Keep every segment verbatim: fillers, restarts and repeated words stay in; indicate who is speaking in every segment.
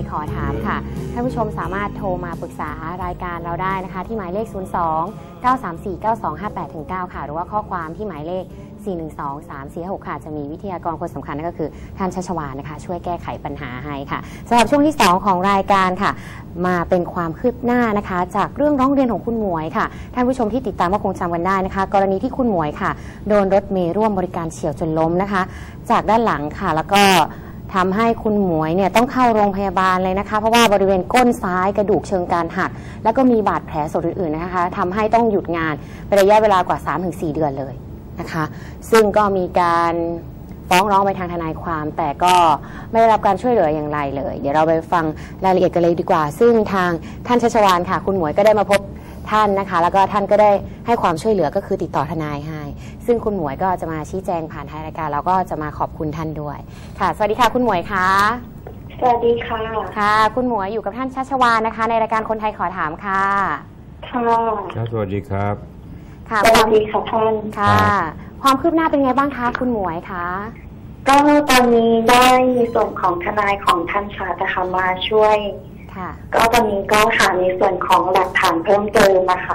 Speaker 1: ขอถามค่ะท่านผู้ชมสามารถโทรมาปรึกษารายการเราได้นะคะที่หมายเลข ศูนย์ สอง เก้า สาม สี่ เก้า สอง ห้า แปด เก้า ค่ะหรือว่าข้อความที่หมายเลข สี่ หนึ่ง สอง สาม สี่ หก ค่ะจะมีวิทยากรคนสำคัญนั่นก็คือท่านชัชวาลนะคะช่วยแก้ไขปัญหาให้ค่ะสำหรับช่วงที่สองของรายการค่ะมาเป็นความคืบหน้านะคะจากเรื่องร้องเรียนของคุณหมวยค่ะท่านผู้ชมที่ติดตามก็คงจำกันได้นะคะกรณีที่คุณหมวยค่ะโดนรถเมล์ร่วมบริการเฉี่ยวจนล้มนะคะจากด้านหลังค่ะแล้วก็ทำให้คุณหมวยเนี่ยต้องเข้าโรงพยาบาลเลยนะคะเพราะว่าบริเวณก้นซ้ายกระดูกเชิงกรานหักแล้วก็มีบาดแผลสดอื่นๆนะคะทำให้ต้องหยุดงานเป็นระยะเวลากว่า สามถึงสี่ เดือนเลยนะคะซึ่งก็มีการฟ้องร้องไปทางทนายความแต่ก็ไม่ได้รับการช่วยเหลืออย่างไรเลยเดี๋ยวเราไปฟังรายละเอียดกันเลยดีกว่าซึ่งทางท่านชัชวาลค่ะคุณหมวยก็ได้มาพบท่านนะคะแล้วก็ท่านก็ได้ให้ความช่วยเหลือก็คือติดต่อทนายให้ซึ่งคุณหมวยก็จะมาชี้แจงผ่านทางรายการแล้วก็จะมาขอบคุณท่านด้วยค่ะสวัสดีค่ะคุณหมวยค่ะ
Speaker 2: สวัสดีค่ะ
Speaker 1: ค่ะคุณหมวยอยู่กับท่านชัชวาลนะคะในรายการคนไทยขอถามค่ะ
Speaker 2: ค่ะ
Speaker 3: ครับสวัสดีครับ
Speaker 1: ค่ะ
Speaker 2: สวัสดีค่ะท่าน
Speaker 1: ค่ะความคืบหน้าเป็นไงบ้างคะคุณหมวยคะ
Speaker 2: ก็ตอนนี้ได้ในส่วนของทนายของท่านชาตะคะมาช่วยก็ตอนนี้ก็หาในส่วนของหลักฐานเพิ่มเติมนะคะ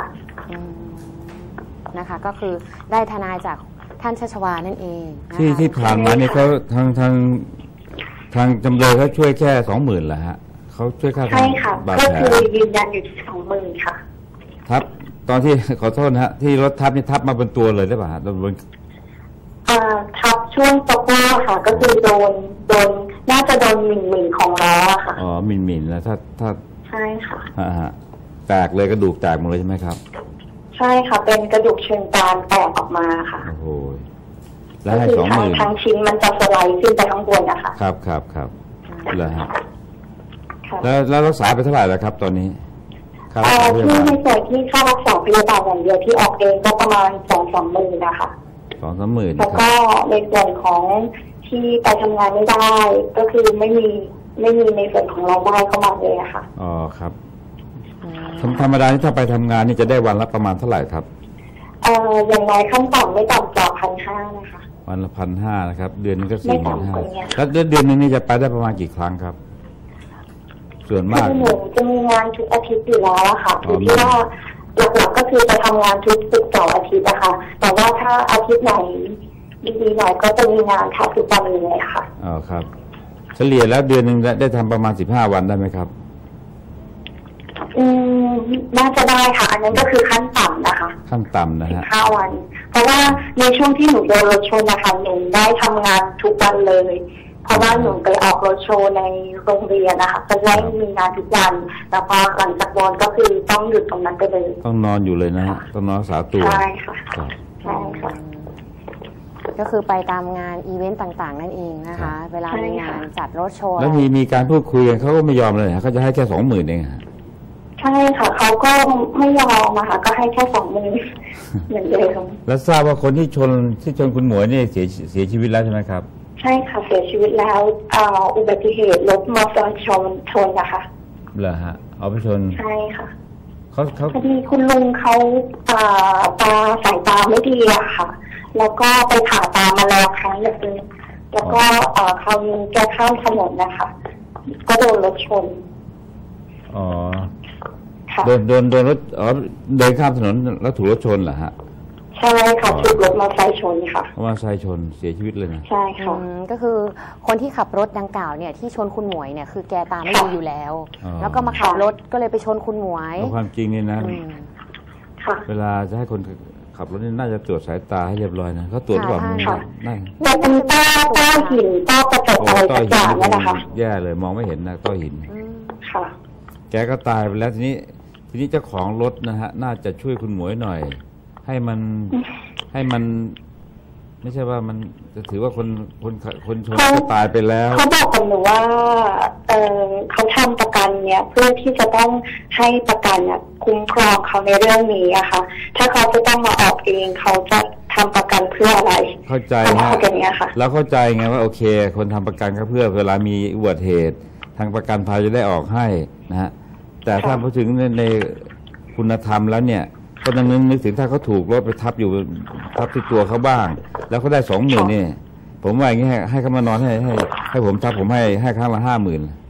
Speaker 1: นะคะก็คือได้ทนายจากท่านชัชวาลนั่นเอง
Speaker 3: ที่ที่ผ่านมาเนี่ยเขาทางทางทางจำเลยเขาช่วยแค่สองหมื่นเหรอฮะเขาช่วยค่า
Speaker 2: ใช่ค่ะก็คือยืนยันอยู่ที่สองหมื่นค่ะ
Speaker 3: ทับตอนที่ขอโทษนะฮะที่รถทับนี่ทับมาบนตัวเลยได้ป่ะฮะบน
Speaker 2: อ่าทับช่วงสะโพกค่ะก็คือโดนโดนน่าจะโดนหมิ่นหมิ่นของล้อค่ะ
Speaker 3: อ๋อหมิ่นหมิ่นแล้วถ้าถ้า
Speaker 2: ใช่ค่ะ
Speaker 3: อ่าฮะแตกเลยกระดูกแตกหมดเลยใช่ไหมครับ
Speaker 2: ใช่ค่ะเป็นกระดูกเชิงกรานแตกออกมาค่ะ
Speaker 3: โอ้โหแล้วให้สองหมื่น
Speaker 2: ทั้งชิ้นมันจะสไลด์ขึ้นไปข้างบนนะคะ
Speaker 3: ครับครับครับแล้วฮะแล้วแล้วรักษาไปเท่าไหร่แล้วครับตอนนี้
Speaker 2: ครับที่ในส่วนที่ค่ารักษาพยาบาลอย่างเดียวที่ออกเองก็ประมาณสองสามหมื่นนะคะ
Speaker 3: สองสามหมื่น
Speaker 2: แล้วก็ในส่วนของที่ไปทำงานไม่ได้ก็คือไม่มีไม่มีในส่วนของรายได้เข้ามาเลยอะค่ะ
Speaker 3: อ๋อครับธรรมดาที่ถ้าไปทำงานนี่จะได้วันละประมาณเท่าไหร่ครับ
Speaker 2: เอ่ออย่างน้อยขั้นต่ำไม่ต่ำกว่าพันห้านะคะ
Speaker 3: วันละพันห้านะครับเดือนนึงก็สี่หมื่นห้าแล้วเดือนนึงนี่จะไปได้ประมาณกี่ครั้งครับส่วนมาก
Speaker 2: หนูจะมีงานทุกอาทิตย์อยู่แล้วอะค่ะคือที่ว่าหลักๆก็คือจะทำงานทุกศุกร์เสาร์อาทิตย์นะคะแต่ว่าถ้าอาทิตย์ไหนดีๆหน่อยก็จะมีงานแทบทุกวันเลยค่ะ
Speaker 3: อ๋อครับเฉลี่ยแล้วเดือนหนึ่งได้ทำประมาณสิบห้าวันได้ไหมครับ
Speaker 2: อืมน่าจะได้ค่ะอันนั้นก็คือขั้นต่ำนะคะ
Speaker 3: ขั้นต่ำนะฮะ
Speaker 2: สิบห้าวันเพราะว่าในช่วงที่หนูโดนรถชนนะคะหนูได้ทำงานทุกวันเลยเพราะว่าหนูไปออกรถโชว์ในโรงเรียนนะคะก็ได้มีงานทุกวันแต่พอหลังจากโดนก็คือต้องหยุดตรงนั้นไปเลย
Speaker 3: ต้องนอนอยู่เลยนะฮะต้องนอนรักษาตัว
Speaker 2: ใช่ค่ะใช่ค่ะ
Speaker 1: ก็คือไปตามงานอีเวนต์ต่างๆนั่นเองนะคะเวลามีงานจัดรถโชว์
Speaker 3: แล้วมีมีการพูดคุยกันเขาก็ไม่ยอมเลยเขาจะให้แค่สองหมื่นเอง
Speaker 2: ใช่ค่ะเขาก็ไม่ยอมนะคะก็ให้แค่สองหมื่นเหมือนเดิม
Speaker 3: แล้วทราบว่าคนที่ชนที่ชนคุณหมวยนี่เสียเสียชีวิตแล้วใช่ไหมครับ
Speaker 2: ใช่ค่ะเสียชีวิตแล้วอุบัติเหตุรถมอเตอร์ไซค์ชนชนนะคะ
Speaker 3: เหรอฮะเอาไปชน
Speaker 2: ใช่ค่ะ
Speaker 3: เขาเขา
Speaker 2: พอดีคุณลุงเขาตาสายตาไม่ดีอะค่ะแล้วก็ไปผ่าตามาแล้วครั้งหนึ่งแล้วก็เขาแกข้ามถนนนะคะก็โดนรถชน
Speaker 3: อ๋อโดนโดนโดนรถอ๋อเดินข้ามถนนแล้วถูกรถชนเหรอฮะ
Speaker 2: ใช่ค่ะถูกรถมอเตอร์ไซค์ชนค่ะ
Speaker 3: มอเตอร์ไซค์ชนเสียชีวิตเลยนะ
Speaker 2: ใช่ค่ะ
Speaker 1: ก็คือคนที่ขับรถดังกล่าวเนี่ยที่ชนคุณหมวยเนี่ยคือแกตาไม่ดีอยู่แล้วแล้วก็มาขับรถก็เลยไปชนคุณหมวย
Speaker 3: ความจริงนี่นะเวลาจะให้คนขับรถนี่น่าจะตรวจสายตาให้เรียบร้อยนะเขาตรวจก่อน
Speaker 2: นั่นแต่เป็นต้อต้อหินต้อกระจกอะไรต่างๆนั่นนะคะ
Speaker 3: แย่เลยมองไม่เห็นนะต้อหิน
Speaker 2: ค่ะ
Speaker 3: แกก็ตายไปแล้วทีนี้ทีนี้เจ้าของรถนะฮะน่าจะช่วยคุณหมวยหน่อยให้มันให้มันไม่ใช่ว่ามันจะถือว่าคนคนคนชนก็ตายไปแล้ว
Speaker 2: เขาบอกกับหนูว่าเออเขาทำประกันเนี่ยเพื่อที่จะต้องให้ประกันเนี่ยคุ้มครองเขาในเรื่องนี้อะค่ะถ้าเขาจะต้องมาออกเองเขาจะทำประกันเพื่ออะไร
Speaker 3: เข้าใจฮะแล้วเข้าใจไงว่าโอเคคนทำประกันก็เพื่อเวลามีอุบัติเหตุทางประกันภัยจะได้ออกให้นะฮะแต่ถ้าพูดถึงในคุณธรรมแล้วเนี่ยก็นึกนึกถึงถ้าเขาถูกรถไปทับอยู่ทับที่ตัวเขาบ้างแล้วเขาได้สองหมื่นนี่ผมว่าอย่างนี้ให้ให้เขามานอนให้ให้ให้ผมทับผมให้ให้ครั้งละห้าหมื่น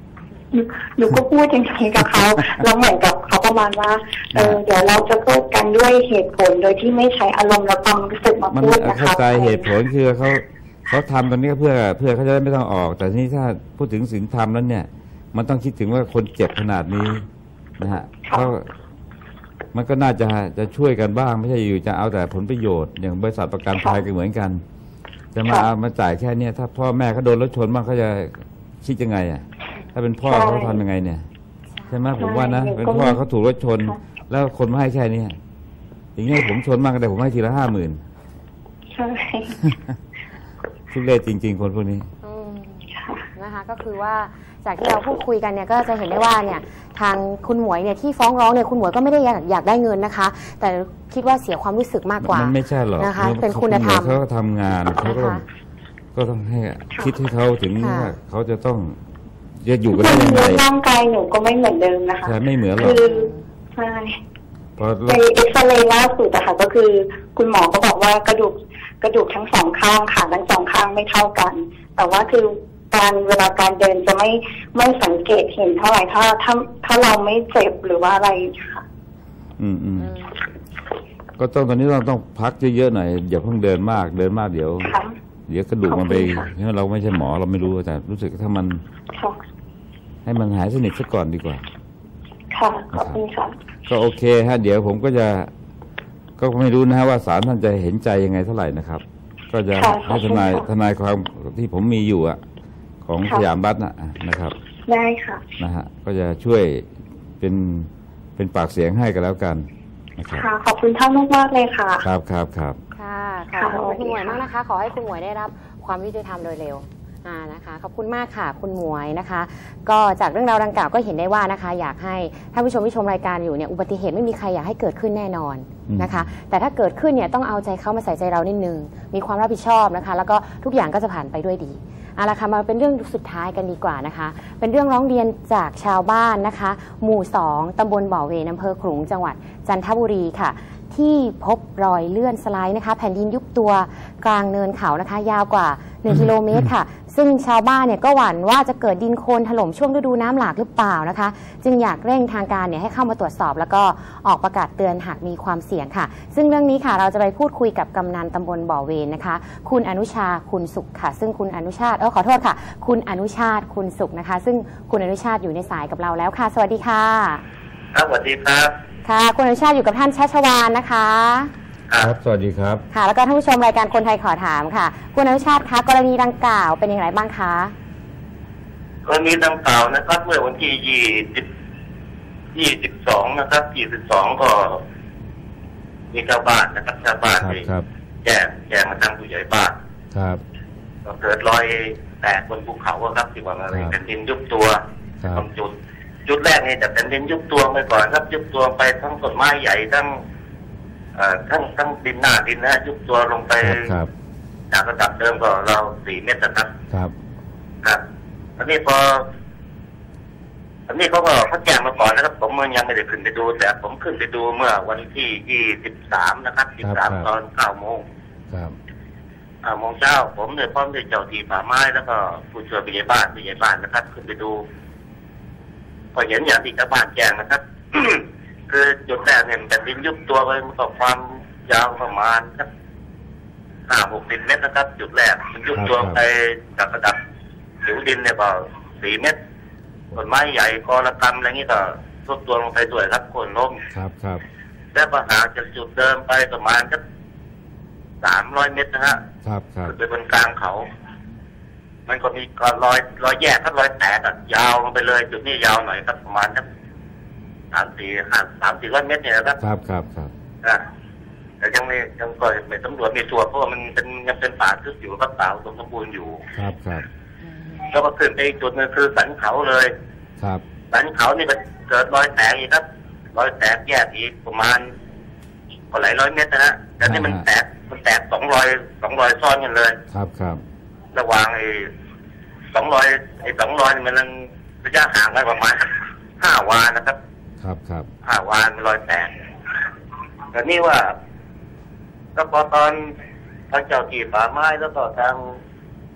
Speaker 2: หนูหนูก็พูดอย่างนี้กับเขาแล้วเหมือนกับเขาประมาณว่าเออเดี๋ยวเราจะพูดกันด้วยเหตุผลโดยที่ไม่ใช้อารมณ์และความรู้สึกมา
Speaker 3: มัน
Speaker 2: พูดนะคะ
Speaker 3: เข้าใจเหตุผลคือเขาเขาทำตรงนี้เพื่อเพื่อเขาจะได้ไม่ต้องออก แต่ทีนี้ถ้าพูดถึงศีลธรรมแล้วเนี่ยมันต้องคิดถึงว่าคนเจ็บขนาดนี้นะฮะเขามันก็น่าจะจะช่วยกันบ้างไม่ใช่อยู่จะเอาแต่ผลประโยชน์อย่างบริษัทประกันภัยก็เหมือนกันจะมาเอามาจ่ายแค่เนี้ยถ้าพ่อแม่เขาโดนรถชนบ้างเขาจะคิดยังไงอ่ะถ้าเป็นพ่อเขาทำยังไงเนี่ยใช่ไหมผมว่านะเป็นพ่อเขาถูกรถชนแล้วคนมาให้แค่นี้อย่างนี้ผมชนบ้างก็ได้ผมให้ทีละห้าหมื่น
Speaker 2: ใช่
Speaker 3: ทุเรศจริงๆคนพวกนี้
Speaker 1: นะคะก็คือว่าจากที่เราพูดคุยกันเนี่ยก็จะเห็นได้ว่าเนี่ยทางคุณหมวยเนี่ยที่ฟ้องร้องเนี่ยคุณหมวยก็ไม่ได้อยากอยากได้เงินนะคะแต่คิดว่าเสียความรู้สึกมากกว่า
Speaker 3: มันไม่ใช่หรอก
Speaker 1: นะคะเป็นคุณธรรม
Speaker 3: เขาก็ทำงานเขาก็ก็ต้องให้คิดให้เขาถึงว่าเขาจะต้องจะอยู่กันได้ยังไง
Speaker 2: ร่างกายหนูก็ไม่เหมือนเดิมนะคะ
Speaker 3: ใช่ไม่เหมือนหรอก
Speaker 2: ใช่ในเอ็กซเรย์ล่าสุดอะค่ะก็คือคุณหมอก็บอกว่ากระดูกกระดูกทั้งสองข้างขาทั้งสองข้างไม่เท่ากันแต่ว่าคือการเวลาการเดินจะไม่ไม่สังเกตเห็นเท่าไหร่ถ้าถ้าถ้าเราไม่เจ็บหรือว่าอะไรค่ะ
Speaker 3: อืมอืมก็ต้องตอนนี้เราต้องพักเยอะๆหน่อยอย่าเพิ่งเดินมากเดินมากเดี๋ยวเดี๋ยวกระดูกมันไปเนี่ยเราไม่ใช่หมอเราไม่รู้แต่รู้สึกถ้ามันให้มันหายสนิทซะก่อนดีกว่า
Speaker 2: ค่ะขอบคุณค่ะ
Speaker 3: ก็โอเคฮะเดี๋ยวผมก็จะก็ไม่รู้นะฮะว่าศาลท่านจะเห็นใจยังไงเท่าไหร่นะครับก็จะให้ทนายทนายความที่ผมมีอยู่อะของสยามบัสนะนะครับ
Speaker 2: ได้ค่ะ
Speaker 3: นะฮะก็จะช่วยเป็นเป็นปากเสียงให้กันแล้วกันนะครับ
Speaker 2: ค่ะขอบคุณท่านมากๆเลยค่ะ
Speaker 3: ครับครับครับ
Speaker 1: ค่ะขอบคุณคุณหมวยมากนะคะขอให้คุณหมวยได้รับความยุติธรรมโดยเร็วนะคะขอบคุณมากค่ะคุณหมวยนะคะก็จากเรื่องราวดังกล่าวก็เห็นได้ว่านะคะอยากให้ท่านผู้ชมที่ชมรายการอยู่เนี่ยอุบัติเหตุไม่มีใครอยากให้เกิดขึ้นแน่นอนนะคะแต่ถ้าเกิดขึ้นเนี่ยต้องเอาใจเขามาใส่ใจเรานิดนึงมีความรับผิดชอบนะคะแล้วก็ทุกอย่างก็จะผ่านไปด้วยดีเอาละค่ะมาเป็นเรื่องสุดท้ายกันดีกว่านะคะเป็นเรื่องร้องเรียนจากชาวบ้านนะคะหมู่สองตำบลบ่อเวนอำเภอขลุงจังหวัดจันทบุรีค่ะที่พบรอยเลื่อนสไลด์นะคะแผ่นดินยุบตัวกลางเนินเขานะคะยาวกว่าหนึ่งกิโลเมตรค่ะซึ่งชาวบ้านเนี่ยก็หวั่นว่าจะเกิดดินโคลนถล่มช่วงฤดูน้ำหลากหรือเปล่านะคะจึงอยากเร่งทางการเนี่ยให้เข้ามาตรวจสอบแล้วก็ออกประกาศเตือนหากมีความเสี่ยงค่ะซึ่งเรื่องนี้ค่ะเราจะไปพูดคุยกับกำนันตำบลบ่อเวนนะคะคุณอนุชาคุณสุขค่ะซึ่งคุณอนุชาติเออขอโทษค่ะคุณอนุชาติคุณสุขนะคะซึ่งคุณอนุชาติอยู่ในสายกับเราแล้วค่ะสวัสดีค่ะ
Speaker 4: ครับสวัสดีครับ
Speaker 1: ค่ะคุณอนุชาติอยู่กับท่านชัชวาลนะคะ
Speaker 3: ครับสวัสดีครับ
Speaker 1: ค่ะแล้วก็ท่านผู้ชมรายการคนไทยขอถามค่ะคุณอนุชาติคะกรณีดังกล่าวเป็นอย่างไรบ้างคะ
Speaker 4: กรณีดังกล่าวนะครับเมื่อวันที่ยี่สิบยี่สิบสองนะครับยี่สิบสองก็มีชาวบ้านนะครับชาวบ้านที่แจ้งแจ้งมาทางผู้ใหญ่บ้าน
Speaker 3: ครับ
Speaker 4: ก็เกิดรอยแตกบนภูเขาครับที่ว่าอะไรแผ่นดินยุบตัวตรงจุดจุดแรกนี่แต่แผ่นดินยุบตัวไปก่อนครับยุบตัวไปทั้งต้นไม้ใหญ่ทั้งทั้งทั้งดินหน้าดินนะยุบตัวลงไปจากระดับเดิมก็เราสี่เมตรนะครับ
Speaker 3: ครับ
Speaker 4: ครับอันนี้พออันนี้เขาก็เขาแจ้งมาก่อนนะครับผมยังไม่ได้ขึ้นไปดูแต่ผมขึ้นไปดูเมื่อวันที่ยี่สิบสามนะครับสิบสามตอนเก้าโมง
Speaker 3: ครับ
Speaker 4: เก้าโมงเช้าผมเนี่ยพร้อมด้วยเจ้าที่ป่าไม้แล้วก็ผู้ช่วยผู้ใหญ่บ้านผู้ใหญ่บ้านนะครับขึ้นไปดูพอเห็นอย่างที่ชาวบ้านแจ้งนะครับ คือจุดแรกเนี่ยแต่ดินยุบตัวไปมันก็ความยาวประมาณสักห้าหกสิบเมตรนะครับจุดแรกมันยุบตัวไปจากระดับผิวดินเนี่ยก็สี่เมตรต้นไม้ใหญ่กอระกำอะไรเงี้ยก็ทรุดตัวลงไปด้วยครับโค่นล้ม
Speaker 3: ครับครับ
Speaker 4: แล้วก็หาจากจุดเดิมไปประมาณสักสามร้อยเมตรนะฮะ
Speaker 3: ครับครับ
Speaker 4: เป็นบนกลางเขามันก็มีก็รอยรอยแยกครับรอยแตกยาวลงไปเลยจุดนี้ยาวหน่อยครับประมาณสักสามสี่ห้าสามสี่ร้อยเมตรเนี่ยนะครับ
Speaker 3: ครับครับครับ
Speaker 4: อ่าแต่ยังไม่ยังก็ไม่ตำรวจมีส่วนเพราะว่ามันเป็นยังเป็นป่าทึบอยู่ครับป่าสมบูรณ์อยู่
Speaker 3: ครับครับ
Speaker 4: แล้วก็ขึ้นไปอีกจุดนึงคือสันเขาเลย
Speaker 3: ครับ
Speaker 4: สันเขานี่มันเกิดรอยแตกอีกครับรอยแตกแยกอีกประมาณก็หลายร้อยเมตรนะฮะแต่นี่มันแตกมันแตกสองรอยสองรอยซ้อนกันเลย
Speaker 3: ครับครับ
Speaker 4: ระหว่างไอ้สองรอยไอ้สองรอยมันระยะห่างกันประมาณห้าวานะครับ
Speaker 3: ครับครับ
Speaker 4: ห้าวานรอยแตกแต่นี่ว่าก็พอตอนทางเจ้าที่ป่าไม้แล้วก็ทาง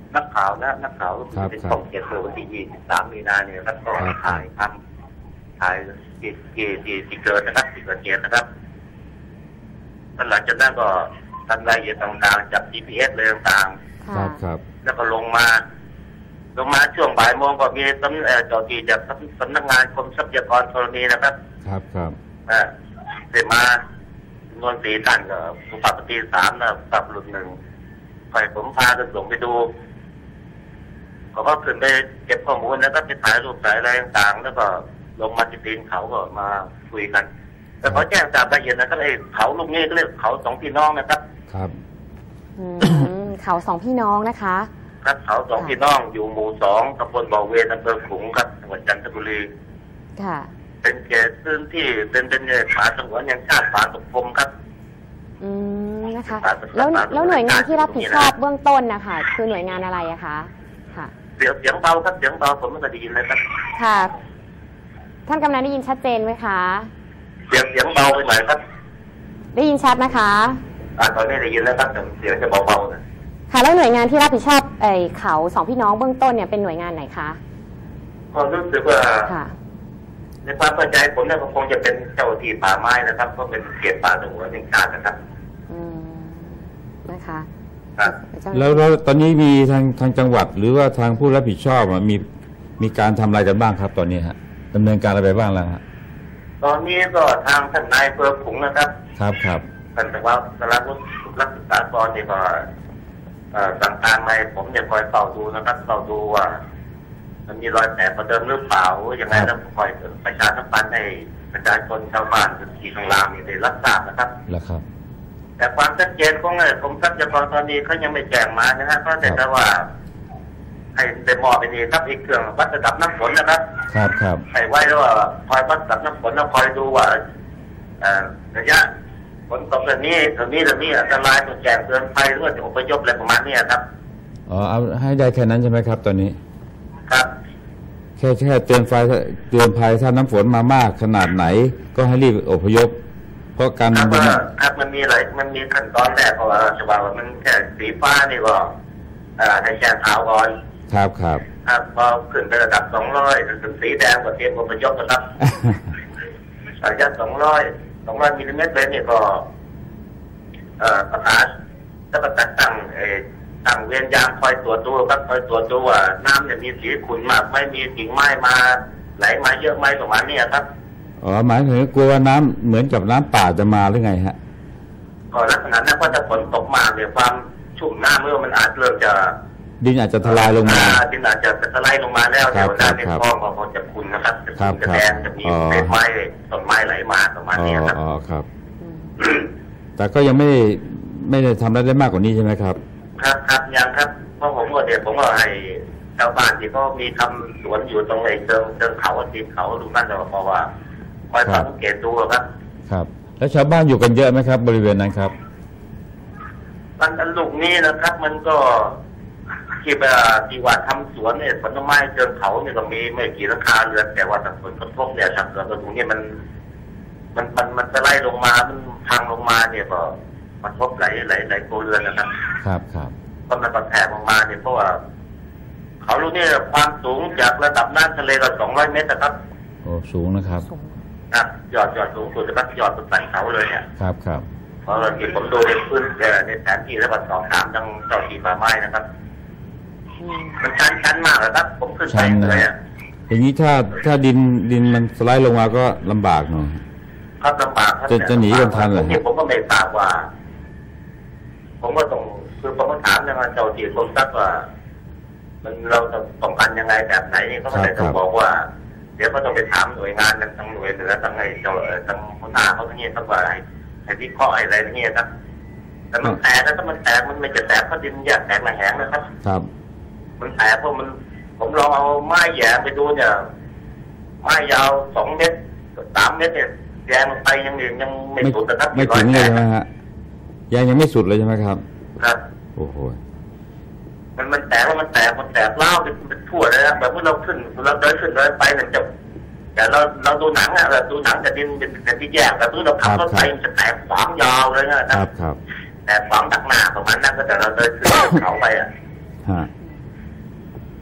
Speaker 4: นักข่าวนะนักข่าวเป็นช่องเจ็ดเมื่อวันที่ยี่สิบสามมีนาเนี่ยครับก็ถ่ายทำถ่ายที่ที่ที่ที่เกิดนะครับที่เกิดเหตุนะครับหลังจากนั้นก็ทำรายละเอียดต่างๆจับ จี พี เอส เลยต่าง
Speaker 3: ครับครับ
Speaker 4: ๆแล้วก็ลงมาลงมาช่วงบ่ายโมงก็มีตำเอ่อเจ้าที่จากสำนักงานกรมทรัพยากรธรณีนะครับ
Speaker 3: ครับครับ
Speaker 4: อ่าเสร็จมาจำนวนสี่ท่านก็สุภาพสตรีสามนะปรับรุ่นหนึ่งคอยผมพากันส่งไปดูเขาก็ขึ้นไปเก็บข้อมูลแล้วก็ไปถ่ายรูปถ่ายอะไรต่างๆแล้วก็ลงมาที่ตีนเขาก็มาคุยกันแต่เขาแจ้งตามละเอียดนะครับไอ้เขาลูกนี้ก็เรียกเขาสองพี่น้องนะครับ
Speaker 3: ครับ
Speaker 1: อืมเขาสองพี่น้องนะคะ
Speaker 4: ครับเขาสองพี่น้องอยู่หมู่สองตำบลบ่อเวนอำเภอขลุงครับจังหวัดจันทบุรี
Speaker 1: ค่ะ
Speaker 4: เป็นเขตพื้นที่เป็นเป็นป่าสงวนแห่งชาติป่าตกพรมครับ
Speaker 1: อืมนะคะแล้วแล้วหน่วยงานที่รับผิดชอบเบื้องต้นนะคะคือหน่วยงานอะไรอะคะค่ะ
Speaker 4: เสียงเสียงเบาครับเสียงเบาผมไม่ได้ยินเลยครับ
Speaker 1: ค่ะท่านกำนันได้ยินชัดเจนไหมคะ
Speaker 4: เสียงเสียงเบาไปหน่อยครับ
Speaker 1: ได้ยินชัดนะคะ
Speaker 4: อ่าตอนนี้ได้ยินแล้วครับแต่เสียงจะเบาๆนะ
Speaker 1: ค่ะแล้วหน่วยงานที่รับผิดชอบไอ้เขาสองพี่น้องเบื้องต้นเนี่ยเป็นหน่วยงานไหนคะ
Speaker 4: ก็รู้สึกว่าในความเข้าใจผมเนี่ยคงจะเป็นเจ้าที่ป่าไม้นะครับก็เป็นเขตป่าสงวนแห่งชาตินะครับ
Speaker 1: อืมนะคะ
Speaker 4: ครับ
Speaker 3: แล้วแล้วตอนนี้มีทางทางจังหวัดหรือว่าทางผู้รับผิดชอบมีมีการทำอะไรกันบ้างครับตอนนี้ฮะดำเนินการอะไรไปบ้างแล้วฮะ
Speaker 4: ตอนนี้ก็ทางท่านนายอำเภอขลุงนะครับ
Speaker 3: ครับครับ
Speaker 4: ท่านแต่ว่าสารวุฒิรักษากรนี่ก็สั่งการมาผมเนี่ยคอยเฝ้าดูนะครับเฝ้าดูว่ามันมีรอยแผลประเดิมหรือเปล่าอย่างไรแล้วคอยประชาสัมพันธ์ให้ประชาชนชาวบ้านที่ข้างล่างนี่ได้รับทราบนะครับ
Speaker 3: แล้วครับ
Speaker 4: แต่ความชัดเจนของไอ้กรมทรัพยากรตอนนี้เขายังไม่แจ้งมานะฮะก็แต่ว่าให้ได้มอบไปนี่ครับอีกเครื่องวัดระดับน้ำฝนนะครับ
Speaker 3: ครับครับ
Speaker 4: ให้ไว้แล้วว่าคอยวัดระดับน้ำฝนแล้วคอยดูว่าระยะฝนตกแบบนี้ตรงนี้ตรงนี้อันตรายต้องแจ้งเตือนภัยหรือว่าจะอพยพอะไรประมาณนี้ครับ
Speaker 3: อ๋อเอาให้ได้แค่นั้นใช่ไหมครับตอนนี้
Speaker 4: ครับ
Speaker 3: แค่แค่เตือนไฟเตือนภัยถ้าน้ำฝนมามากขนาดไหนก็ให้รีบอพยพเพราะการ
Speaker 4: ครับครับมันมีอะไรมันมีขั้นตอนแรกเพราะว่าจะว่ามันแค่สีฟ้านี่ก็ให้แจ้งข่าวก่อน
Speaker 3: ครับครับ
Speaker 4: ครับพอขึ้นไประดับสองร้อยถึงสีแดงก็เตรียมอพยพนะครับระยะสองร้อยสองร้อยมิลลิเมตรเลยนี่ก็ประกาศจะประกาศตั้งตั้งเวียนยามคอยตรวจดูครับคอยตรวจดูว่าน้ำเนี่ยมีสีขุ่นมากไม่มีกิ่งไม้มาไหลมาเยอะไหมประมาณนี้ครับ
Speaker 3: อ๋อหมายถึงกลัวว่าน้ำเหมือนกับน้ำป่าจะมาหรือไงฮะ
Speaker 4: ก็ลักษณะนั้นว่าถ้าฝนตกมาเนี่ยความชุ่มน้ำเมื่อมันอาจเริ่มจะ
Speaker 3: ดินอาจจะทลายลงมา
Speaker 4: ดินอาจจะทลายลงมาแล้วเดี๋ยวน้ำในคลองก็คงจะขุ่นนะครับจะขุ่นจะแดงจะมีเศษไม้ต้นไม้ไหลมาประมาณนี้ครับ
Speaker 3: อ๋อครับแต่ก็ยังไม่ไม่ได้ทำได้มากกว่านี้ใช่ไหมครับ
Speaker 4: ครับครับยังครับเพราะผมก็เดี๋ยวผมก็ให้ชาวบ้านที่เขามีทำสวนอยู่ตรงไอ้เชิงเชิงเขาตีนเขาดูนั่นเราเพราะว่าคอยสังเกตดูครับ
Speaker 3: ครับแล้วชาวบ้านอยู่กันเยอะไหมครับบริเวณนั้นครับ
Speaker 4: มันอันลูกนี้นะครับมันก็ที่แบบที่ว่าทำสวนเนี่ยผลไม้เชิงเขาเนี่ยก็มีไม่กี่ราคาเรือนแต่ว่าแต่ผลกระทบเนี่ยทางเกิดตรงนี้มันมันมันมันจะไล่ลงมามันพังลงมาเนี่ยก็มันทบหลายหลายหลายโคเรือนนะครับ
Speaker 3: ครับครับ
Speaker 4: ก็มันแผ่ลงมาเนี่ยเพราะว่าเขาลูกนี้ความสูงจากระดับน้ำทะเลก็สองร้อยเมตรนะครับ
Speaker 3: โอ้สูงนะครับ
Speaker 4: ครับยอดยอดสูงสุดนะครับยอดสุดสันเขาเลยเนี่ย
Speaker 3: ครับครับ
Speaker 4: เพราะเราที่ผมดูในพื้นในแผนที่แล้วก็สอบถามทางเจ้าที่ป่าไม้นะครับมันชันชันมากเลยครับผมขึ้นไปเลยอ่ะ
Speaker 3: อย่างนี้ถ้าถ้าดินดินมันสไลด์ลงมาก็ลำบากหน่อย
Speaker 4: ครับลำบากครับ
Speaker 3: จะจะหนีกันทันเหรอ
Speaker 4: ผมก็ไม่ทราบว่าผมก็ต้องคือผมก็ถามนะเจ้าที่กรมทรัพย์ว่ามันเราจะป้องกันยังไงแบบไหนนี่ก็ไม่ได้ต้องบอกว่าเดี๋ยวก็ต้องไปถามหน่วยงานทางหน่วยเหนือทางไอ้เจ้าทางหัวหน้าเขาทั้งนี้ทั้งว่าอะไรไอ้ที่ข้ออะไรทั้งนี้ครับแต่มันแตกแล้วถ้ามันแตกมันไม่จะแตกเพราะดินแยกแตกมาแห้งนะครับ
Speaker 3: ครับ
Speaker 4: มันแตกเพราะมันผมลองเอาไม้แย่ไปดูเนี่ยไม้ยาวสองเมตรสามเมตรเนี่ยแยงไปยังยังไม่สุดนะครับ
Speaker 3: ไม่ถึงเลยนะฮะยังยังไม่สุดเลยใช่ไหมครับ
Speaker 4: ครับ
Speaker 3: โอ้โห
Speaker 4: มันมันแตกแล้วมันแตกมันแตกเล่าเป็นทั่วเลยนะแบบเมื่อเราขึ้นเราเดินขึ้นเดินไปเนี่ยจะแต่เราเราดูหนังอะเราดูหนังแต่ดินเป็นที่แยกแต่เมื่อเราขับรถไปมันจะแตกขวางยาวเลยนะครับ
Speaker 3: ครับ
Speaker 4: แต่ขวางดักหน้าประมาณนั้นก็แต่เราเดินขึ้นเขาไปอ่ะ
Speaker 3: ฮะ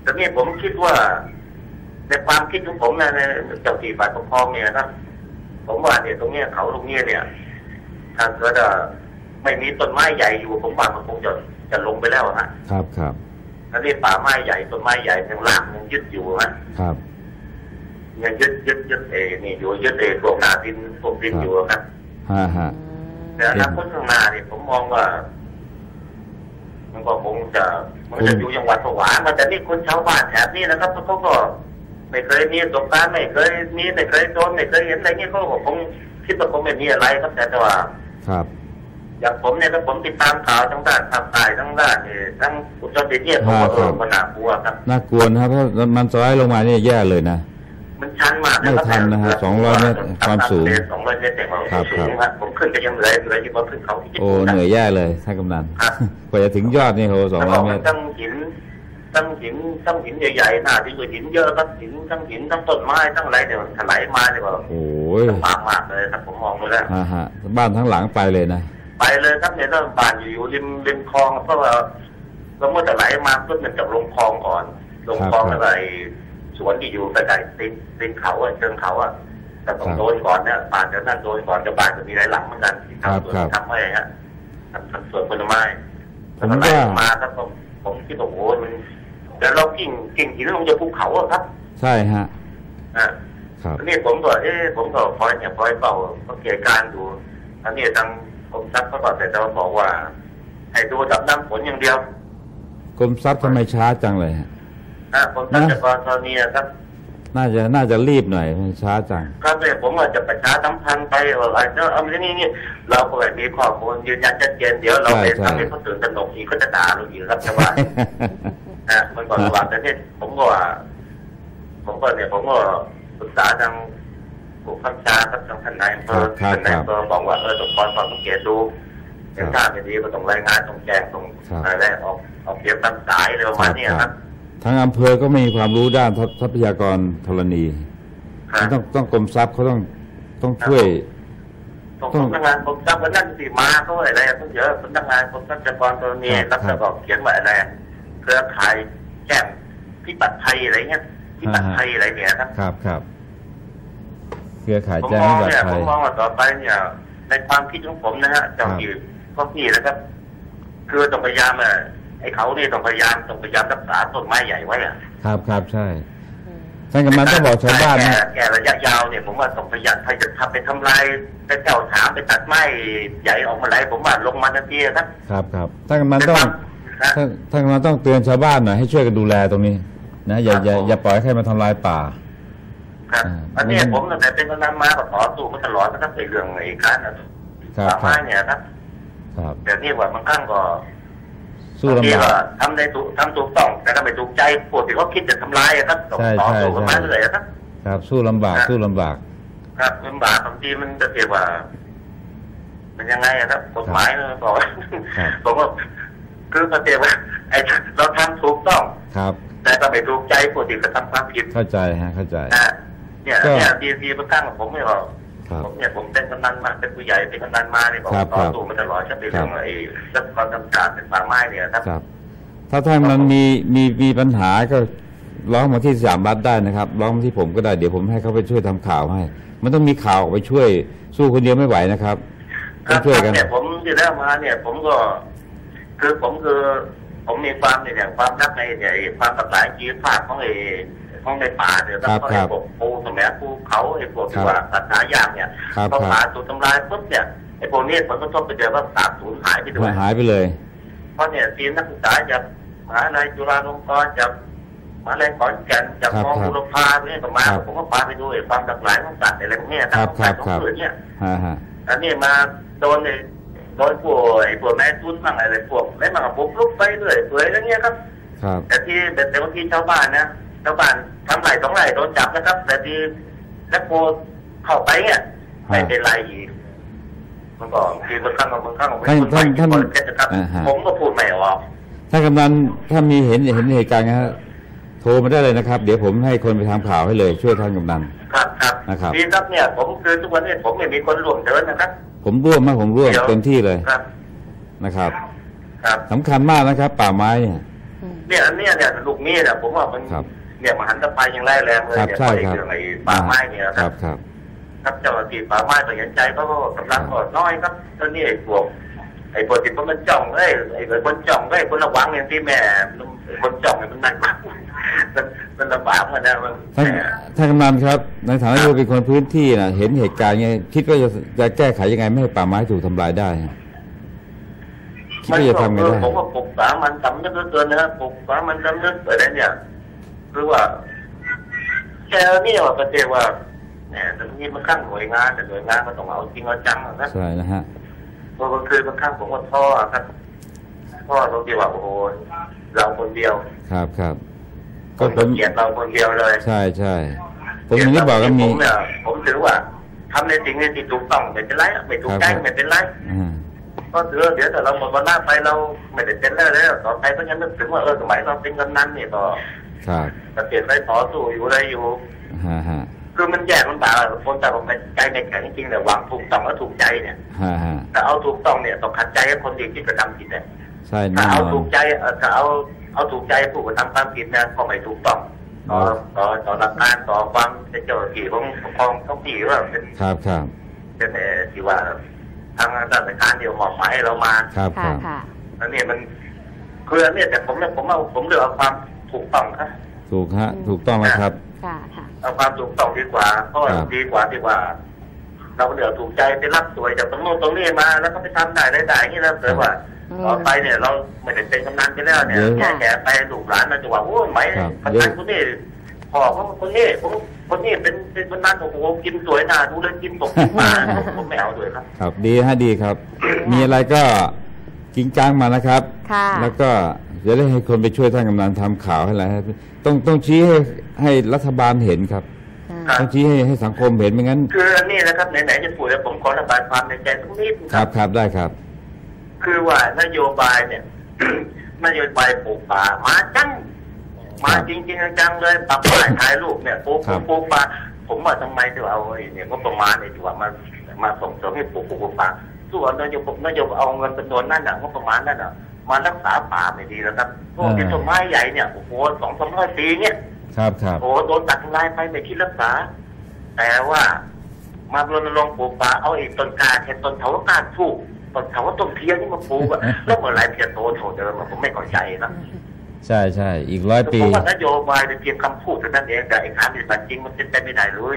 Speaker 4: แต่นี่ผมคิดว่าในความคิดของผมนะในเจ้าที่ฝ่ายปกครองเนี่ยครับผมว่าเนี่ยตรงเนี้ยเขาตรงเนี้ยเนี่ยถ้าเกิดไม่มีต้นไม้ใหญ่อยู่ผมว่ามันคงจะจะลงไปแล้วฮะ
Speaker 3: ครับครับ
Speaker 4: แล้วนี่ป่าไม้ใหญ่ต้นไม้ใหญ่ยังล่างยังยึดอยู่ฮะ
Speaker 3: ครับ
Speaker 4: ยังยึดยึดยึดเอนี่อยู่ยึดเอพวกนาดินพวกดินอยู่ครับ
Speaker 3: ฮะฮะ
Speaker 4: แต่อนาคตข้างหน้าเนี่ยผมมองว่ามันก็คงจะมันจะอยู่จังหวัดผวามันแต่นี่คนชาวบ้านแถบนี้นะครับเขาก็ไม่เคยมีประสบการณ์ไม่เคยมีไม่เคยโดนไม่เคยเห็นอะไรเงี้ยเขาก็คงคิดว่าคงไม่มีอะไรครับแต่ว่า
Speaker 3: ครับ
Speaker 4: อย่างผมเนี่ยถ้าผมติดตามข่าวทั้งด้านภาคใต้ทั้งด้านนี่ทั้งอุตรดิตถ์เนี่ยผมก็เออมันน่ากลัวครับ
Speaker 3: น่ากลัวนะครับเพราะมันสไลด์ลงมาเนี่ยแย่เลยนะ
Speaker 4: มันชันมาก
Speaker 3: ไม่ทันนะฮะสองร้อยเมตรความสูง
Speaker 4: สองร้อยเมตรแต่ความสูงครับผมขึ้นก็ยังเหนื่อยเหนื่อยอยู่บนขึ้นเขา
Speaker 3: โอ้เหนื่อยแย่เลยท่านกำนันกว่าจะถึงยอดนี่โหสองร้อยเมตร
Speaker 4: ทั้งหินทั้งหินทั้งหินใหญ่ๆหน้าที่หินเยอะครับหินทั้งหินทั้งต้นไม้ทั้งอะไรเนี่ยถลายมาเนี่ยแบบ
Speaker 3: โอ้ย
Speaker 4: ลำบากมากเลยครับผมมองดูแล้ว
Speaker 3: ฮะฮะบ้านทั้งหลังไปเลยนะ
Speaker 4: ไปเลยครับเนี่ยถ้าบ้านอยู่ริมริมคลองเพราะว่าเราเมื่อแต่ไหลมาปุ๊บมันจะลงคลองก่อนลงคลองแล้วไอ้สวนที่อยู่ใกล้ๆตีนตีนเขาเชิงเขาอ่ะแต่ต้องโดนก่อนเนี่ยบ้านจะนั่นโดนก่อนจะบ้านจะมีหลายหลังเหมือนกันที่ทำสวนทำไม่ฮะทำสวนผลไม้
Speaker 3: ผมก็
Speaker 4: มาครับผมผมคิดว่าโอ้มันแต่เรากิ่งกิ่งหินลงจากภูเขาอะครับ
Speaker 3: ใช่ฮะ
Speaker 4: อ่าครับนี่ผมก็เอ๊ะผมก็คอยเนี่ยคอยเฝ้าสังเกตการดูอันนี้ทางกรมทรัพย์เขาบอกแต่เราบอกว่าให้ดูดับน้ำฝนอย่างเดียว
Speaker 3: กรมทรัพย์ทำไมช้าจังเลยฮะ
Speaker 4: อ่ากรมทรัพยากรตอนนี้ครับ
Speaker 3: น่าจะน่าจะรีบหน่อยมันช้าจัง
Speaker 4: ครับเนี่ยผมว่าจะประชาสัมพันธ์ไปอะไรเนาะเอาเรื่องนี้นี่เราก็แบบมีข้อมูลยืนยันชัดเจนเดี๋ยวเราไปทำให้เขาตื่นตระหนกอีกก็จะด่าเราอีกครับแต่ว่านะมันก่อนว่าแต่เนี่ยผมก็ว่าผมก็เนี่ยผมก็ปรึกษาทางผู้ข้าราชการทางท่านนายอำเภอท่านนายอำเภอบอกว่าเออต้องคอยฟังสังเกตดูถ้าไม่ดีก็ต้องรายงานต้องแจ้งต้องอะไรออกออกเสียงตามสายอะไรประมาณนี้ครับ
Speaker 3: ทางอำเภอก็มีความรู้ด้านทรัพยากรธรณีต้องต้องกรมทรัพย์เขาต้องต้องช่วย
Speaker 4: ต้องพนักงานกรมทรัพย์ก็นั่นสิมาเขาอะไรต้องเยอะพนักงานกรมทรัพยากรธรณีรับแล้วก็เขียนว่าอะไรเครือข่ายแจ้งพิบัติภัยอะไรเงี้ยพิบัติภัยอะไรเนี่ยครับ
Speaker 3: ครับครับเครือข่ายแจ้งพิบัติภัย
Speaker 4: ผมมองว่าต่อไปเนี่ยในความคิดของผมนะฮะเจ้าอยู่พวกนี้นะครับคือต้องพยายามอ่ะไอ้เขาเนี่ยต้องพยายามต้องพยายามรักษาต้นไม้ใหญ่ไว้อ่ะ
Speaker 3: ครับครับใช่ท่านกำนันต้องบอกชาวบ้านนะ
Speaker 4: แก่ระยะยาวเนี่ยผมว่าต้องพยายามใครจะทำไปทำลายไปแก้วถามไปตัดไม้ใหญ่ออกมาไหลผมว่าลงมาทันทีครับ
Speaker 3: ครับครับท่านกำนันต้องท่านท่านกำนันต้องเตือนชาวบ้านหน่อยให้ช่วยกันดูแลตรงนี้นะอย่าอย่าอย่าปล่อยให้ใครมาทำลายป่า
Speaker 4: ครับอันนี้ผมตั้งแต่เป็นกำนันมาก็ต่อสู้มาตลอดนะครับในเรื่องไอ้การป่าไม้เนี่ยครับแต่นี่ว่าบางครั้งก็
Speaker 3: สู้ลำบาก
Speaker 4: ทำในถูกทำถูกต้องแต่ก็ไม่ถูกใจพวกที่เขาคิดจะทำลายครับต่อสู้กันมาเรื่อยครับ
Speaker 3: ครับสู้ลำบากสู้ลำบาก
Speaker 4: ครับลำบากบางทีมันจะเกี่ยวว่ามันยังไงครับกฎหมายมันบอกผมว่าคือเขาเกี่ยวว่าไอ้เราทำถูกต้อง
Speaker 3: ครับ
Speaker 4: แต่ก็ไม่ถูกใจพวกที่กระทำความผิด
Speaker 3: เข้าใจฮะเข้าใจ
Speaker 4: เนี่ยเนี่ยทีทีบางครั้งผมไม่บอกผมเนี่ยผมเป็นกำนันมาเป็นผู้ใหญ่เป็นกำนันมาเนี่ยผมต่อสู้มาตลอดชัดเจนเรื่องไอ้ทรัพยากรธรรมชาติเป็นป่าไม้เนี่ยครับ
Speaker 3: ถ้าท่านมันมีมีมีปัญหาก็ร้องมาที่สยามรัฐได้นะครับร้องมาที่ผมก็ได้เดี๋ยวผมให้เขาไปช่วยทำข่าวให้มันต้องมีข่าวออกไปช่วยสู้คนเดียวไม่ไหวนะครับ
Speaker 4: ต้องช่วยกันเนี่ยผมที่แล้วมาเนี่ยผมก็คือผมคือผมมีความเนี่ยความรักในเนี่ยความหลากหลายชีวภาพของไอ้ของในป่าเนี่ยแล้วก็ไอ้พวกปูสมัยภูเขาไอ้พวกที่ว่าสัตว์หายากเนี่ยพอป่าถูกทำลายปุ๊บเนี่ยไอ้พวกนี้ผลกระทบไปเดียวก็สาบสูญหายไปด้วย
Speaker 3: หายไปเลย
Speaker 4: เพราะเนี่ยทีมนักศึกษาจากมหาวิทยาลัยจุฬาลงกรณ์จากมหาวิทยาลัยขอนแก่นจากมอบุรพาเนี่ยก็มาผมก็พาไปดูไอ้ความหลากหลายของสัตว์อะไรพวกนี้ทั้งสัตว์ของพืชเนี่ยอันนี้มาโดนไอ้โดนพวกไอ้พวกแม่ตุ้นบ้างอะไรพวกแล้วมันก็บุกรุกไปเรื่อยเปื่อยอะไรเงี้ยครับแต่ที่แต่บางทีชาวบ้านนะชาวบ้านทำไรสองไรโดนจับนะครับแต่ที่นักโทษเข้าไปเนี่ยไม่เป็นไรอีกมันก็คือบางครั้งบางครั้ง
Speaker 3: ท่านท่านท่าน
Speaker 4: ผมก็พูดไม่ออก
Speaker 3: ถ้ากำนันถ้ามีเห็นเห็นเหตุการณ์นะโทรมาได้เลยนะครับเดี๋ยวผมให้คนไปทำข่าวให้เลยช่วยท่านกำนัน
Speaker 4: ครับครับนะครับดีครับเนี่ยผมคือทุกวันนี้ผมไม่มีคนร่วมเดินนะครับ
Speaker 3: ผมร่วมมากผมร่วมเต็มที่เลยนะครับครับสำคัญมากนะครับป่าไม้เนี่ย
Speaker 4: เนี่ยอันเนี้ยเนี่ยลูกนี้เนี่ยผมว่ามันเนี่ยมหันตภัยยังไล่แรงเลยเนี่ยไอ้เรื่องไอ้ป่าไม้เนี่ยครับ
Speaker 3: ครับ
Speaker 4: ครับเจ้าหน้าที่ป่าไม้ก็เห็นใจเขาก็กำลังก็น้อยครับตอนนี้ไอ้พวกไอ้พวกที่มันจ้องเอ้ยไอ้คนจ้องเอ้ยคนระวังอย่างที่แม่คนจ้องเนี่ยมันหนักมากมันมันลำบากเหมือนกันท่าน
Speaker 3: ท่านกำนันครับในฐานะที่เป็นคนพื้นที่นะเห็นเหตุการณ์ไงคิดว่าจะจะแก้ไขยังไงไม่ให้ป่าไม้ถูกทำลายได้คิดว่าจะทำไงได้
Speaker 4: ผมว่าปลูกป่ามันสำนึกเกินนะครับปลูกป่ามันสำนึกอะไรเนี่ยหรือว่าแค่นี่ว่าประเดี๋ยวว่าเนี่ยตรงนี้มันข้างหน่วยงานแต่หน่วยงานมันต้องเอาจริงเอาจังนะ
Speaker 3: ใช่นะฮะ
Speaker 4: เพราะบางคืนบางครั้งผมก็ท้อครับท้อตรงที่ว่าโอ้โหเราคนเดียว
Speaker 3: ครับครับ
Speaker 4: ก็เป็นเกียรติเราคนเดียวเลย
Speaker 3: ใช่ใช่ผมอย่างนี้บอกก็มี
Speaker 4: ผมเนี่ยผมถือว่าทำในสิ่งที่ถูกต้องไม่เป็นไรไม่ถูกใจไม่เป็นไรก็ถือเดี๋ยวแต่เราหมดวันหน้าไปเราไม่ได้เป็นแล้วแล้วต่อไปก็ยังนึกถึงว่าเออสมัยเราเป็นกำนันเนี่ยต่อจะเปลี่ยนไปต่อสู้อยู่อะไรอยู่คือมันแยกมันต่างคนแต่ผมใจในแข็งจริงๆแต่หวังถูกต้องแล้วถูกใจเนี่ยแต่เอาถูกต้องเนี่ยต้องขัดใจกับคนที่กระทำผิดเนี่ยถ้าเอาถูกใจถ้าเอาเอาถูกใจผู้กระทำความผิดเนี่ยก็ไม่ถูกต้องต่อต่อต่อหลักการต่อความเป็นเจ้าหน้าที่ของปกครองท้องที่ว่าเป็น
Speaker 3: ครับครับ
Speaker 4: เป็นที่ว่าทางราชการเดียวมอบหมายให้เรามา
Speaker 3: ครับครับ
Speaker 4: แล้วเนี่ยมันคือเนี่ยแต่ผมเนี่ยผมเอาผมเลือกเอาความถูกต้องครับ
Speaker 3: ถูกฮะถูกต้องนะครับ
Speaker 4: เอาความถูกต้องดีกว่าเพราะดีกว่าที่ว่าเราเลือกถูกใจไปรับสวยจากตรงโน้นตรงนี้มาแล้วก็ไปทำได้ได้ได้ที่เราเกิดว่าต่อไปเนี่ยเราไม่ได้เป็นกำนันไปแล้วเนี่ยแก่แก่ไปลูกหลานมาจะว่าโอ้ยไหมกำนันคนนี้พ่อเขาคนนี้ผมคนนี้เป็นเป็นกำนันโอ้โหกินสวยหน้าดูเลยกินตกกินมาผมไม่เอาด้วยครับ
Speaker 3: ครับดีฮะดีครับมีอะไรก็กิ้งก้างมานะครับแล้วก็จะได้ให้คนไปช่วยท่านกำนันทำข่าวให้อะไรต้องต้องชี้ให้ให้รัฐบาลเห็นครับต้องชี้ให้ให้สังคมเห็นไม่งั้น
Speaker 4: คืออันนี้นะครับไหนๆจะพูดแล้วผมขอระบายความในใจสักนิด
Speaker 3: ครับครับได้ครับ
Speaker 4: คือว่านโยบายเนี่ยนโยบายปลูกป่ามาจังมาจริงจริงจังเลยปรับถ่ายถ่ายรูปเนี่ยปลูกปลูกป่าผมว่าทำไมถึงเอาเนี่ยก็ประมาณเนี่ยถือว่ามามาส่งเสริมให้ปลูกปลูกป่าส่วนนโยบายนโยบายเอาเงินเป็นตัวนั่นน่ะก็ประมาณนั่นน่ะมารักษาป่าไม่ดีแล้วครับพวกที่ต้นไม้ใหญ่เนี่ยโอ้โหสองสามร้อยปีเนี่ย
Speaker 3: ครับครับ
Speaker 4: โอ้โดนตัดทำลายไปไม่คิดรักษาแต่ว่ามารณรงค์ปลูกป่าเอาอีกต้นกาแค่ต้นเถาวัลย์ถูกต้นเถาวัลย์ต้นเทียนนี่มาปลูกอะแล้วเมื่อไรเพียรโตโถเดิมผมไม่เข้าใจนะ
Speaker 3: ใช่ใช่อีกร้อยปี
Speaker 4: ผมว่านโยบายเป็นเพียงคำพูดเท่านั้นเองแต่ไอ้การปฏิบัติจริงมันเป็นไปไม่ได้เลย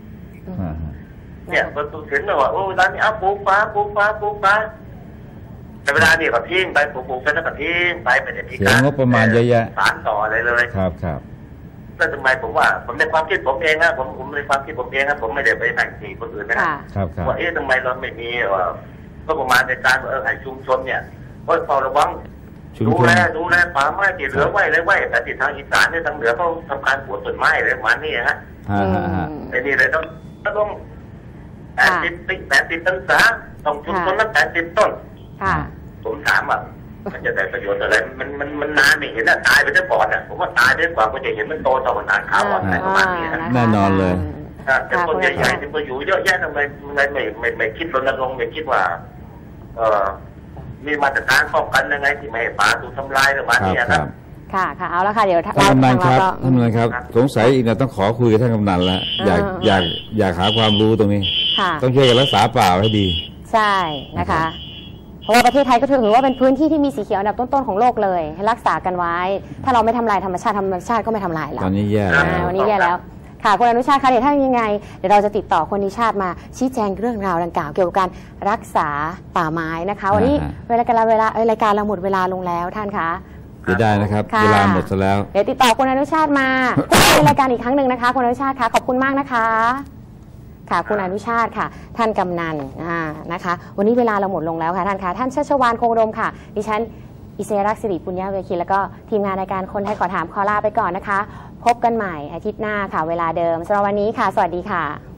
Speaker 4: เนี่ยมันถึงเลยว่าโอ้ร้านนี้เอาปลูกป่าปลูกป่าปลูกป่าแต่เวลาเนี่ยก็ทิ้งไปปลูกๆกันแล้วก็ทิ้งไปไม่ได้มี
Speaker 3: การงบประมาณเยอะแยะ
Speaker 4: สารต่ออะไรเลย
Speaker 3: ครับครับ
Speaker 4: ก็ทำไมผมว่าผมในความคิดผมเองนะผมผมในความคิดผมเองนะผมไม่ได้ไปแบ่งสีคนอื่นนะครับว่าเอ๊ะทำไมเราไม่มีก็ประมาณในการเออให้ชุมชนเนี่ยก็เฝ้าระวังดูแลดูแลป่าไม้ที่เหลือไว้เลยไว้แต่ที่ทางอีสานเนี่ยทางเหนือเขาทำการปลูกต้นไม้อะไรประมาณนี้ฮะไอ้นี่เลยต้องต้องแปดสิบแปดสิบต้นสาต้องชุมชนนั้นแปดสิบต้นผมถามอ่ะมันจะได้ประโยชน์อะไรมันมันมันนานไม่เห็นอ่ะตายไปได้ก่อนอ่ะผมว่าตายได้กว่าก็จะเห็นมันโตต่อมันนานขาวอ่อนอะไรประมาณนี้นะ
Speaker 3: แน่นอนเลย
Speaker 4: แต่คนใหญ่ๆที่มาอยู่เยอะแยะทำไมไม่ไม่ไม่ไม่คิดรณรงค์ไม่คิดว่าเออมีมาตรการป้องกันยังไงที่ไม่ให้ป่าถูกทำลายประมาณนี้ครับ
Speaker 1: ค่ะค่ะเอาละค่ะเดี๋ยว
Speaker 3: ท่านกำนันครับท่านกำนันครับสงสัยอีกนะต้องขอคุยกับท่านกำนันแล้วอยากอยากอยากหาความรู้ตรงนี้ต้องช่วยกันรักษาป่าให้ดี
Speaker 1: ใช่นะคะเพราะว่าประเทศไทยก็ถือว่าเป็นพื้นที่ที่มีสีเขียวอันดับต้นๆของโลกเลยให้รักษากันไว้ถ้าเราไม่ทำลายธรรมชาติธรรมชาติก็ไม่ทำลายเรา
Speaker 3: ตอนนี้แย่แล้ว
Speaker 1: วันนี้แย่แล้วค่ะคุณอนุชาติคะเดี๋ยวถ้ายังไงเดี๋ยวเราจะติดต่อคนอนุชาติมาชี้แจงเรื่องราวดังกล่าวเกี่ยวกับการรักษาป่าไม้นะคะวันนี้เวลาการเวลารายการเราหมดเวลาลงแล้วท่านคะ
Speaker 3: ไม่ได้นะครับเวลาหมดซะแล้ว
Speaker 1: เดี๋ยวติดต่อคุณอนุชาติมาพูดในรายการอีกครั้งหนึ่งนะคะคุณอนุชาติคะขอบคุณมากนะคะค่ะคุณอนุชาติค่ะท่านกำนันนะคะวันนี้เวลาเราหมดลงแล้วค่ะท่านคะท่านชัชวาลคงอุดมค่ะดิฉันอิเซรักษ์สิริปุญญาเวคีแล้วก็ทีมงานรายการคนไทยขอถามขอลาไปก่อนนะคะพบกันใหม่อาทิตย์หน้าค่ะเวลาเดิมสำหรับวันนี้ค่ะสวัสดีค่ะ